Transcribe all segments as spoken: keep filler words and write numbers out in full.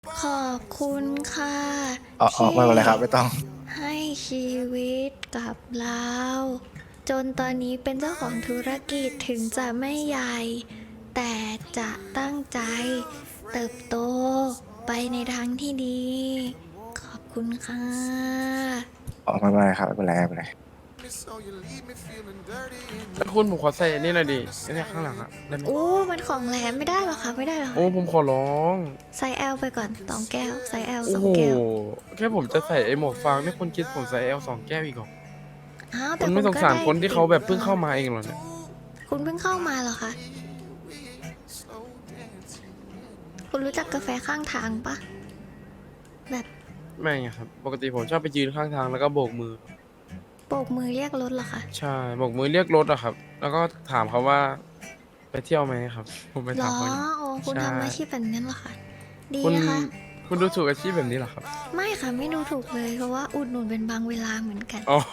ขอบคุณค่ะอ๋ออ๋อที่ไม่เป็นไรครับไม่ต้องให้ชีวิตกับเรา จนตอนนี้เป็นเจ้าของธุรกิจถึงจะไม่ใหญ่ แต่จะตั้งใจเติบโตไปในทางที่ดี ขอบคุณค่ะอ๋อไม่เป็นไรครับไม่เป็นไรไม่เป็นไรแล้วคุณผมขอใส่อันนี่หน่อยดิไอ้เนี่ยข้างหลังอะได้ไหมอู้มันของแหลมไม่ได้หรอคะไม่ได้หรอโอ้ผมขอร้องไซส์ แอล ไปก่อนสองแก้วไซส์ แอล สองโอ้โหแก้วแค่ผมจะใส่ไอ้หมวกฟางนี่คุณคิดผมใส่เอลสองแก้วอีกเหรออ้าวคุแต่ณคุไม่ณสก็งสารได้คนที่เขาแบบเพิ่งเข้ามาเองเหรอเนี่ยคุณเพิ่งเข้ามาเหรอคะ คุณรู้จักกาแฟข้างทางปะแบบไม่ไงครับ ปกติผมชอบไปยืนข้างทางแล้วก็โบกมือโบกมือเรียกรถเหรอคะใช่โบกมือเรียกรถอะครับ แล้วก็ถามเขาว่าไปเที่ยวไหมครับ ผมไปหรถามอเขาอย่างนี้โอ้คุณใช่ทำอาชีพแบบนั้นเหรอคะ ดีคุณนะคะคุณดูถูกอาชีพแบบนี้เหรอครับไม่ค่ะไม่ดูถูกเลยเพราะว่าอุดหนุนเป็นบางเวลาเหมือนกันอ๋อ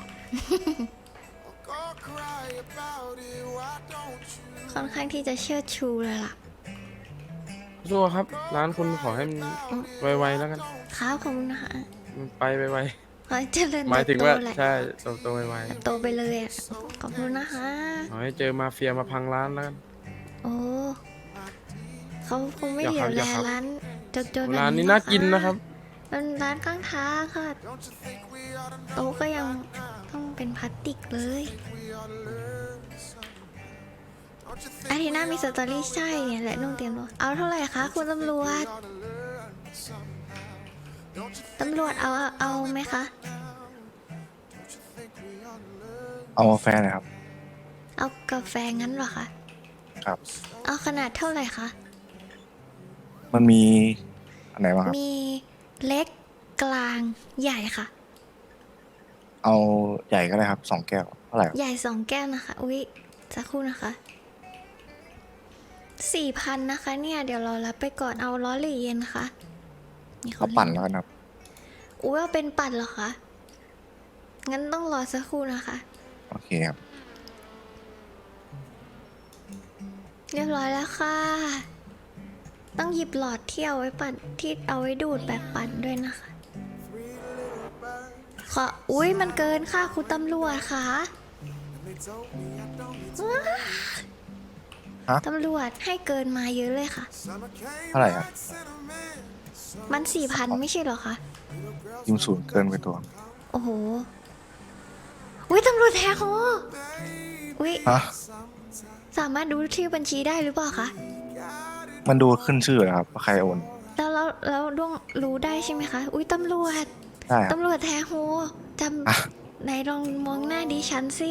ค่อนข้างที่จะเชิดชูเลยล่ะสู้ครับ ร้านคุณขอให้มันไวๆแล้วกันครับขอบคุณนะคะมันไปไวขอให้เจริญๆหมายเติถึบงโตว่าแหละใช่โตๆไวโตไปเลยอ่ะ ขอบคุณนะคะๆขอให้เจอมาเฟียมาพังร้านแล้วกันโอ้เขาคงไม่อย่าเหลีครัยวบอแลย่าครับร้านจนๆแบบร้านนี้หรอน่ากินนะครับเป็นร้านข้างทางค่ะโต๊ะก็ยังต้องเป็นพลาสติกเลยอาทิตย์หน้ามีสตอรี่ใช่เนี่ยแหละนุ่งเตรียมตัวเอาเท่าไหร่คะคุณตำรวจ ตำรวจเอาเอาเอาไหมคะเอากาแฟหน่อยครับเอากาแฟงั้นเหรอคะครับเอาขนาดเท่าไหร่คะมันมีอันไหนบ้างครับมีเล็กกลางใหญ่ค่ะเอาใหญ่ก็ได้ครับสองแก้วเท่าไหร่ครับใหญ่สองแก้วนะคะ อุ๊ยสักครู่นะคะสี่พันนะคะเนี่ยเดี๋ยวเรารับไปก่อนเอาร้อนหรือเย็นคะนี่เอาปั่นแล้วกันครับอุ๊ยเอาเป็นปั่นเหรอคะ งั้นต้องรอสักครู่นะคะโอเคครับเรียบร้อยแล้วค่ะ ต้องหยิบหลอดที่เอาไว้ปั่นที่เอาไว้ดูดแบบปั่นด้วยนะคะขออุ๊ยมันเกินค่ะคุณตำรวจค่ะฮะตำรวจให้เกินมาเยอะเลยค่ะเท่าไหร่ครับมันสี่พันไม่ใช่เหรอคะยิมศูนย์เกินไปตัวโอ้โห อุ้ยตำรวจแท้โหอุ้ยฮะสามารถดูชื่อบัญชีได้หรือเปล่าคะมันดูขึ้นชื่อเลยครับว่าใครโอนแล้วแล้วแล้วดวงรู้ได้ใช่ไหมคะ อุ้ยตำรวจได้ครับตำรวจแท้โหจอ่ะำไหนลองมองหน้าดิฉันสิ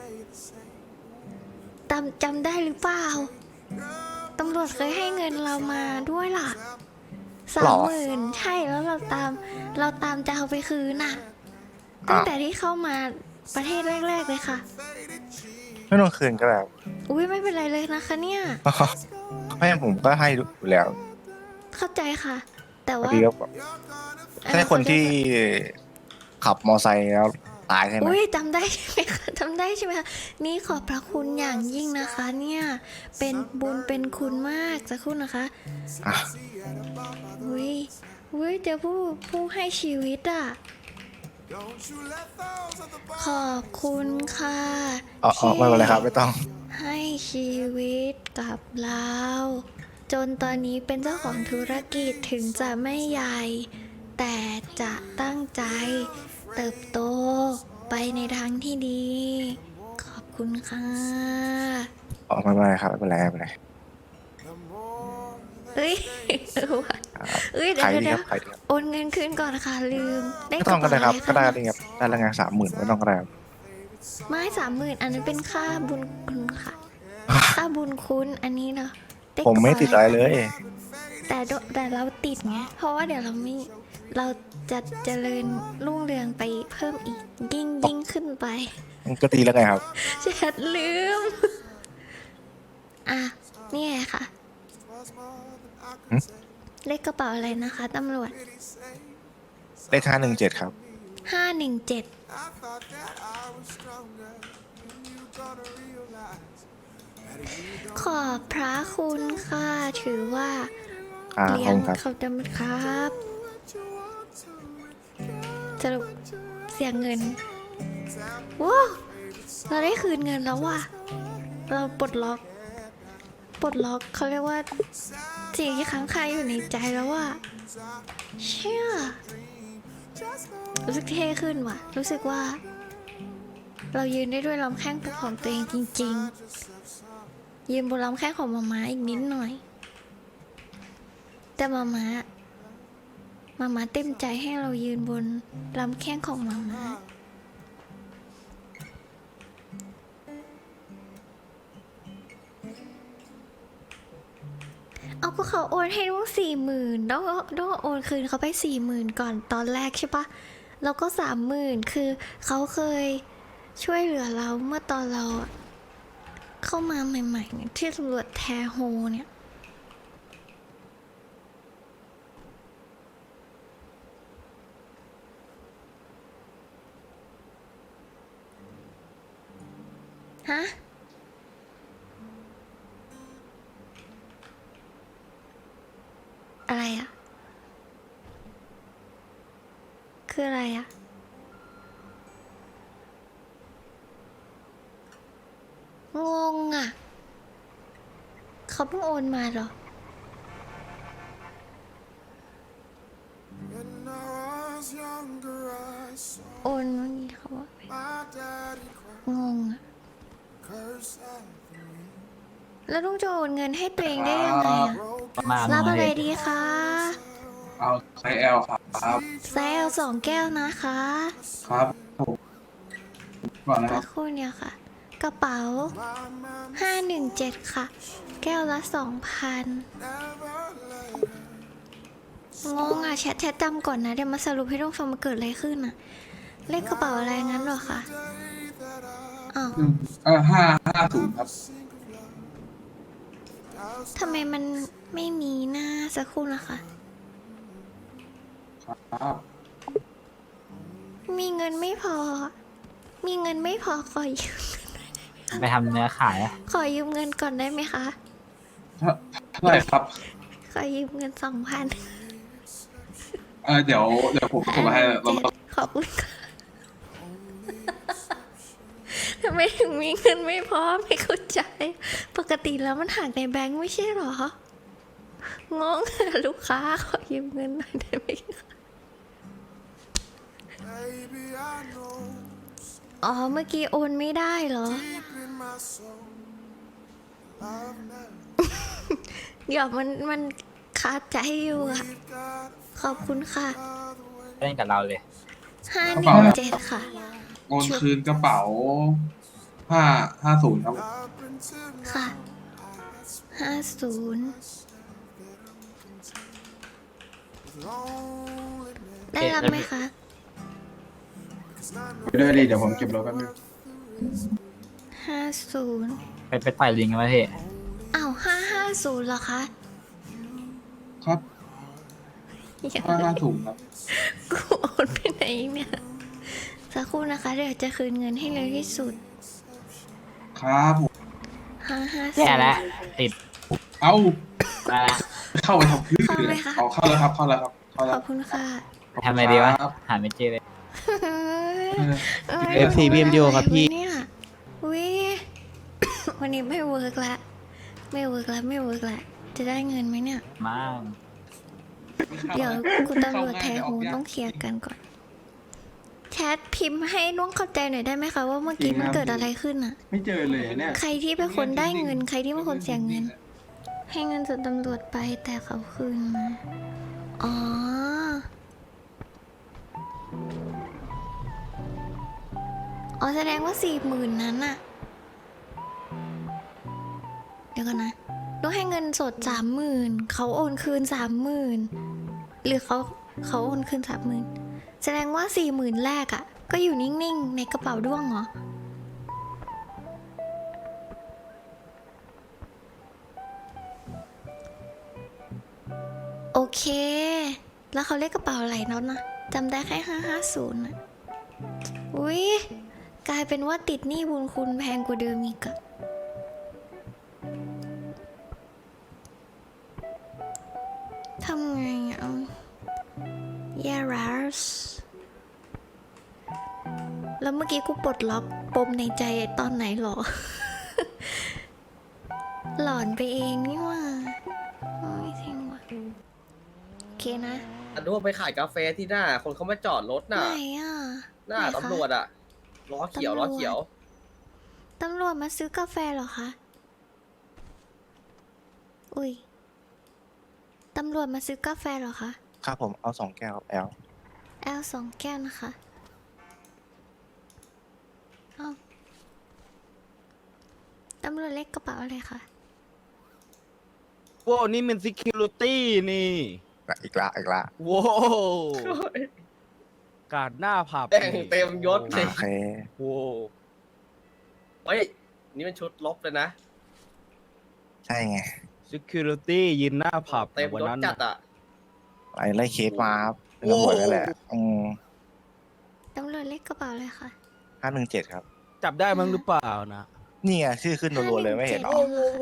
จำจำได้หรือเปล่า ตำรวจเคยให้เงินเรามาด้วยล่ะสาหรมอหมื่นใช่แล้วเราตาม เราตามจะเอาไปคืนน่ะ ตั้งแต่ที่เข้ามาประเทศแรกๆเลยค่ะไม่ต้องคืนก็ได้ครับอุ้ยไม่เป็นไรเลยนะคะเนี่ยไม่งั้นผมก็ให้อยู่แล้วเข้าใจค่ะ แต่พอว่าดีก็ใช่คนที่ขับมอไซค์แล้วตายใช่ไหมอุ้ยจำได้ใช่ไหมคะจำได้ใช่ไหมคะนี่ขอบพระคุณอย่างยิ่งนะคะ เนี่ยเป็นบุญเป็นคุณมากสักครู่นะคะอ่ะอุ้ยอุ้ยเจอผู้ผู้ให้ชีวิตอ่ะขอบคุณค่ะอ๋ออ๋อไม่เป็นไรครับไม่ต้องให้ชีวิตกับเรา จนตอนนี้เป็นเจ้าของธุรกิจถึงจะไม่ใหญ่ แต่จะตั้งใจเติบโตไปในทางที่ดี ขอบคุณค่ะอ๋อไม่เป็นไรครับไม่เป็นไรไม่เป็นไรเอ้ยเออว่ะครับเอ้ยเดี๋ยขายว ดีเดี๋คยวรับขายดีครับโอนเงินคืนก่อนค่ะลืมได้ไม่กต้ระองก็เป๋าได้อะครับไรก็คะได้ครับได้แล้วไงสามหมื่นไม่ต้องก็ได้ครับไม่สามหมื่นอันนั้นเป็นค่าบุญคุณค่ะ ค่าบุญคุณอันนี้เนาะด้ผมไม่กระติดเป๋าอะไรเลยแต่โดแต่เราติดไงเพราะว่าเดี๋ยวเราไม่เราจะเจริญรุ่งเรืองไปเพิ่มอีกยิ่งยิ่งขึ้นไปมันก็ตีแล้วไงครับแชทลืม อ่ะนี่ไงค่ะหึเลขกระเป๋าอะไรนะคะตำรวจเลขห้าหนึ่งเจ็ดครับห้าหนึ่งเจ็ดขอบพระคุณค่ะ ถือว่าอ่าเลี้ขยอบงคุณครับเขาจำครับสรุปเสียเงินว้าวเราได้คืนเงินแล้วว่ะเราปลดล็อกปลดล็อกเขาเรียกว่าสิ่งที่ค้างคาอยู่ในใจแล้วว่ะเชื่อรู้สึกเท่ขึ้นว่ะรู้สึกว่า เรายืนได้ด้วยลำแข้งของตัวเองจริงๆยืนบนลำแข้งของมาม่าอีกนิดหน่อยแต่มาม่ามาม่าเต็มใจให้เรายืนบนลำแข้งของมาม่าเอาก็เขาโอนให้ต้องสี่หมื่นต้องต้องโอนคืนเขาไปสี่หมื่นก่อนตอนแรกใช่ปะแล้วก็สามหมื่นคือเขาเคยช่วยเหลือเราเมื่อตอนเราเข้ามาใหม่ๆเนี่ยที่ตำรวจแทโฮเนี่ยฮะอะไรอะคืออะไรอะงงอะเขาเพิ่งโอนมาเหรอโอนเมื่อกี้เขาบอกงงอะแล้วลุงจะโอนเงินให้ตัวเองได้ยังไงอะประมาณรับนั้อะนไรเลยดีคะเอาไซส์ L ครับไซส์ L สองแก้วนะคะครับผมก่อนนะคสัรักบครู่เนี่ยค่ะ กระเป๋า ห้าหนึ่งเจ็ด ค่ะ แก้วละ สองพัน งงอ่ะแชทแชทจำก่อนนะ เดี๋ยวมาสรุปให้ทุกฟังมาเกิดอะไรขึ้นอ่ะ เลขกระเป๋าอะไรงั้นเหรอคะอ้าวอืมเออห้าห้าศูนย์ครับทำไมมันไม่มีหน้าสักครู่นะคะครับมีเงินไม่พอ มีเงินไม่พอขอยืมไปทำเนื้อขายอะขอยืมเงินก่อนได้ไหมคะเท่าเท่าไหร่ครับขอยืมเงินสองพันเออเดี๋ยวเดี๋ยวผมส่งมาให้เราเราขอบคุณค่ะ ทำไมถึงมีเงินไม่พอไม่เข้าใจ ปกติแล้วมันหักในแบงค์ไม่ใช่หรอ งงอะลูกค้าขอยืมเงินหน่อยได้ไหมคะอ๋อ เมื่อกี้โอนไม่ได้เหรอ เดี๋ยวมันมันคาใจอยู่อะขอบคุณค่ะเล่นกับเราเลยห้าหนึ่งเจ็ดค่ะโอนคืนกระเป๋าห้าห้าศูนย์ครับค่ะ ห้าศูนย์ ได้รับไหมคะเดี๋ยวดีเดี๋ยวผมเก็บรถแป๊บนึงห้าศูนย์ไปไปต่อยลิงกันมาพี่อ้าวห้าห้าศูนย์เหรอคะครับอย่าห้าห้าศูนย์ครับกูโอนไปไหนเนี่ย สักครู่นะคะ เดี๋ยวจะคืนเงินให้เร็วที่สุดครับผมห้าห้าศูแย่นย์แล้วติดเอ้ามาแล้วเข้าไปทำพื้นเข้าไหมคะเอาเข้าแล้วครับ เข้าแล้วครับ เข้าขแล้อวบคุณค่ะทำไงดีวะครับหาไม่เจอเลยเอเอฟซี บี เอ็ม ยู ครับพี่เนี่ยวิ วันนี้ไม่เวิร์กละไม่เวิร์กละไม่เวิร์กละจะได้เงินไหมเนี่ยมากเดี๋ยวคุณตำรวจแทหูต้องเคลียร์กันก่อน แชทพิมพ์ให้น้องเข้าใจหน่อยได้ไหมคะว่าเมื่อกี้มันเกิดอะไรขึ้นอะไม่เจอเลยเนี่ยใครที่เป็นคนได้เงิน ใครที่เป็นคนเสียเงิน ให้เงินส่วนตำรวจไปแต่เขาคืนมา อ๋อ อ๋อแสดงว่าสี่หมื่นนั้นอะเดี๋ยวก่อนนะต้องให้เงินสดสามหมื่นเขาโอนคืนสามหมื่นหรือเขาเขาโอนคืนสามหมื่นแสดงว่าสี่หมื่นแรกอะก็อยู่นิ่งๆ ในกระเป๋าด้วงเหรอ โอเค แล้วเขาเรียกกระเป๋าอะไรน็อตนะจำได้แค่ห้าห้าศูนย์อะอุ้ยกลายเป็นว่าติดหนี้บุญคุณแพงกว่าเดิมอีกอะำไงอ่ะแย่รัสแล้วเมื่อกี้กูปลดล็อกปมในใจตอนไหนหรอ หลอนไปเองนี่หว่าโอ้ยจริงว่ะโอเคนะอันนู้นไปขายกาแฟที่หน้า คนเขามาจอดรถไหนน่ะอ่ะหน้าไหคะตำรวจอ่ะล้อเขียวตำรวจล้อเขียวตำรวจมาซื้อกาแฟเหรอคะ อุ้ย ตำรวจมาซื้อกาแฟเหรอคะครับผมเอาสองแก้วครับแอลแอลสองแก้วนะคะเอาตำรวจเล็กกระเป๋าอะไรคะโว้นี่มัน security นี่อีกละอีกละโว้การดหน้าผับแต่งนี่เต็มยศเลยโอเคโว้เฮ้ย นี่มันชุดลบเลยนะใช่ไง security ยืนหน้าผับเต็มวันยศนั้นจัดน่ะอ่ะไล่ไล่เคสมาครับเป็นตำรวจนั่นแหละอืมตำรวจเล็กกระเป๋าอะไรคะห้าหนึ่งเจ็ดครับจับได้มั้งหรือเปล่านะนี่ไงชื่อขึ้นรัวๆเลยไม่เห็นหรอ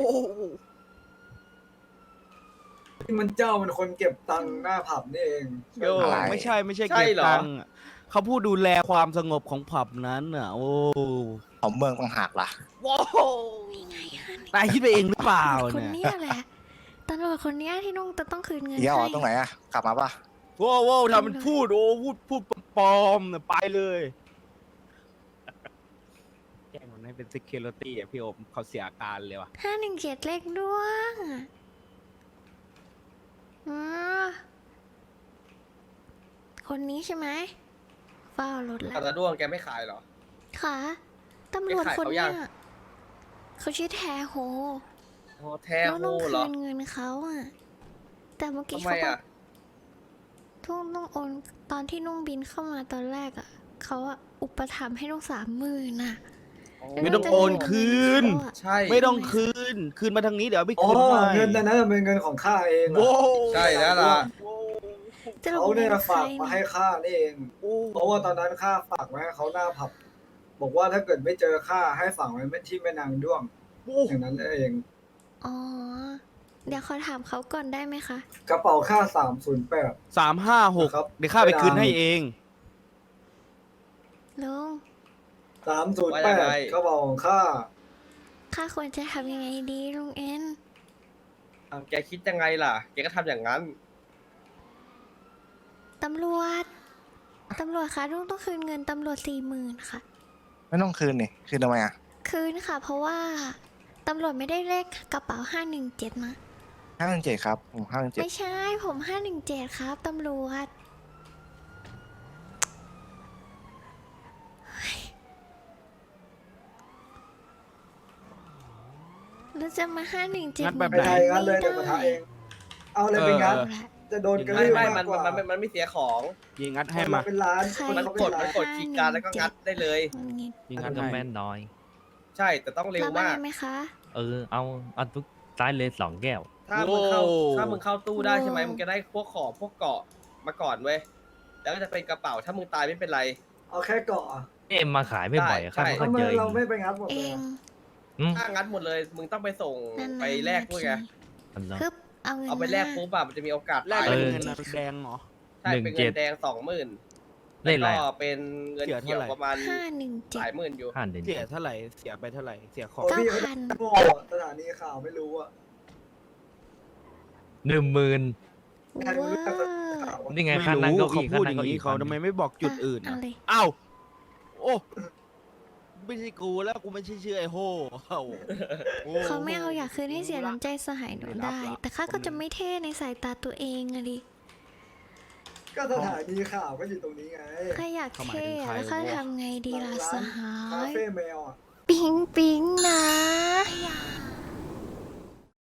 ที่มันเจ้ามันคนเก็บตังค์หน้าผับนี่เองโยอะไรไม่ใช่ไม่ใช่ใช่เก็บเหรอตังค์อะเขาพูดดูแลความสงบของผับนั้นน่ะ โอ้ของเมืองต่างหากล่ะว้าวนี่ไงคะนายคิดไปเองหรือเปล่าคนเนี่ยเนี้ยแหละ ตำรวจคนเนี้ยที่นุ่งจะต้องคืนเงินเดี๋ยวเหรอให้ตรงไหนอะกลับมาปะโว้โว้ทำมันพูดโอ้พูดพูดปลอมๆน่ะไปเลยแจ้งมันให้เป็น security อ่ะพี่โอมเขาเสียอาการเลยว่ะห้าหนึ่งเจ็ดเลขด้วงอ๋อคนนี้ใช่ไหมเฝ้ารถแล้อัวตราด้วงแกไม่ขายเหรอค่ะตำรวจไปขายคนเขาเนี้ยัยงเขาชื่อแทโฮโอ้แท้แล้วต้อโหงเหรคือนเงินเขาอ่ะ แต่เมื่อกี้ทำไมเขาบออ่ะกทุ่งต้องโอนตอนที่นุ่งบินเข้ามาตอนแรกอ่ะเขาอ่ะอุปถัมภ์ให้นุ่งสามหมื่นอ่ะไม่ต้องโอนคืนเขาอะใช่ไม่ต้องคืน คืนมาทางนี้เดี๋ยวเอาไปอ๋อคืนให้เงินนั้นนะเป็นเงินของข้าเองอะโว้ใช่แล้วล่ะจะลงเขาเนี่ยงินใครฝากมาให้ข้านี่เองโอ้เพราะว่าตอนนั้นข้าฝากไว้ให้เขาหน้าผับ บอกว่าถ้าเกิดไม่เจอข้าให้ฝากไว้ที่แม่นางด้วงโอ้อย่างนั้นเองอ๋อ เดี๋ยวขอถามเขาก่อนได้ไหมคะกระเป๋าข้าสามศูนย์แปดสามห้าหกครับเดี๋ยวข้าไปคืนให้เองลุงสามศูนย์แปดกระเป๋าของข้าข้าควรจะทำยังไงดีลุงเอ็นเอาแกคิดยังไงล่ะ แกก็ทำอย่างนั้นตำรวจ ตำรวจคะลุงต้องคืนเงินตำรวจสี่หมื่นค่ะไม่ต้องคืนนี่คืนทำไมอะคืนค่ะ เพราะว่าตำรวจไม่ได้เลขกระเป๋าห้าหนึ่งเจ็ดนะห้าหนึ่งเจ็ดครับผมห้าหนึ่งเจ็ดไม่ใช่ผมห้าหนึ่งเจ็ดครับตำรวจเฮ้ยแล้วจะมาห้าหนึ่งเจ็ดงัดแบบไปไทยงั้นเลยเดี๋ยวมาทาเอง เอาเลยไปงั้น จะโดนกระไม่ลือไม่มามักนกว่ามันมันมันไม่เสียของยิงงัดให้คนมาละเป็นล้านใครคนมันละกเป็นดล้ามันนกดคีย์การ์ดแล้วก็งัดได้เลยยิงงังัดดต้องให้แม่นหน่อยใช่แต่ต้องเร็วรับอะไรมากไหมคะเออ เอาเอาทุกซ้ายเลยสองแก้วถ้ามึงเข้าโอ้ถ้ามึงเข้าตู้ได้ใช่ไหมโอ้มึงจะได้พวกของพวกเกาะมาก่อนเว้ย แล้วก็จะเป็นกระเป๋าถ้ามึงตายไม่เป็นไรเอาแค่เกาะอะเอ็มมาขายไม่บ่อยอะใช่ข้าไม่ทำเคยไมเจอเราไม่ไปงัดหมดเอเลยงอะอืมถ้างัดหมดเลย มึงต้องไปส่งนานๆไปแลกด้วยไงอันนั้นคึบเอาเงินเอาไปแลกมาปุ๊บอะมันจะมีโอกาสแลกตายเป็นเออเงินแดงเหรอใช่หนึ่งเป็นเจ็เงิดนแดงสองหมื่นเล่นอะไรก็อะเป็นเงินเสียเขียวเท่าไหร่ประมาณห้าหนึ่งหเจ็ดลายหมื่นอยู่ห้าเดือนเสียเท่าไหร่ เสียไปเท่าไหร่ เสียของโอ้เก้าพี่พันโง่สถานีข่าวไม่รู้อะหนึ่งหมื่นใครรู้เรื่องสถานีว้าข่าวนี่ไงไม่ค่านั่งรู้เก้าเขาอี้พูค่าดอนั่งย่างเก้านี้อี้เขาพันทำไมไม่บอกจุดอื่นเอาอะเลยอ้าวโอ้ไม่ใช่กูแล้วกูไม่ใช่ชื่อไอ้โฮเอ้าโอ้เขาไม่เอาอยากคืนให้เสียน้ำใจสหายหนูไม่รับได้ละแต่ข้าก็จะไม่เท่ในสายตาตัวเองอะดิก็สถานีข่าวก็อยู่ตรงนี้ไงข้าอยากเขาหมายเท่ถึงใครแล้วข้าวะทำไงดีล่ะสหาคาย เฟ่แมวอะปิ๊งปิ๊งนะ